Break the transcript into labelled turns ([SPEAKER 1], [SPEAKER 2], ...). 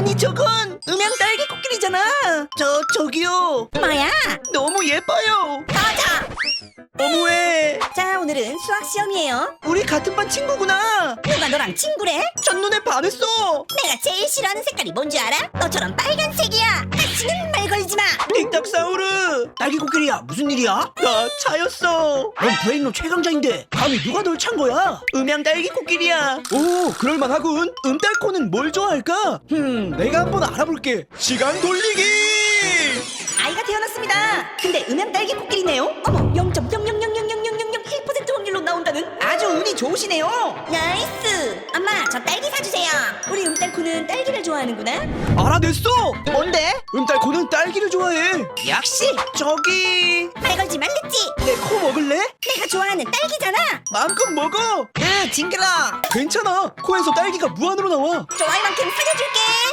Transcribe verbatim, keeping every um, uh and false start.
[SPEAKER 1] 아니 저건 음양 딸기 코끼리잖아. 저 저기요.
[SPEAKER 2] 뭐야?
[SPEAKER 1] 너무 예뻐요.
[SPEAKER 2] 맞아.
[SPEAKER 1] 너무해.
[SPEAKER 2] 자, 오늘은 수학 시험이에요.
[SPEAKER 1] 우리 같은 반 친구구나.
[SPEAKER 2] 누가 너랑 친구래?
[SPEAKER 1] 첫눈에 반했어.
[SPEAKER 2] 내가 제일 싫어하는 색깔이 뭔지 알아? 너처럼 빨간색이야. 다시는 말 걸지 마.
[SPEAKER 1] 틱탁사우르. 딸기 코끼리야, 무슨 일이야? 나 차였어. 넌 브레인로 최강자인데 감히 누가 널 찬 거야? 음양 딸기 코끼리야. 오, 그럴만하군. 음딸코는 뭘 좋아할까? 흠, 내가 한번 알아볼게. 시간 돌리기.
[SPEAKER 2] 아이가 태어났습니다. 근데 음양 딸기 코끼리네요. 어머, 영 점 영영영영영영영일 퍼센트 확률로 나온다는 아주 운이 좋으시네요. 나이스. 엄마, 저 딸기 사주세요. 우리 음딸코는 딸기를 좋아하는구나.
[SPEAKER 1] 알아냈어. 뭔데? 음딸코는 딸기를 좋아해. 역시. 저기
[SPEAKER 2] 말 걸지 말랬지.
[SPEAKER 1] 내 코 먹을래?
[SPEAKER 2] 내가 좋아하는 딸기잖아.
[SPEAKER 1] 마음껏 먹어. 에, 징그러. 괜찮아. 코에서 딸기가 무한으로 나와.
[SPEAKER 2] 좋아할 만큼 사줘줄게.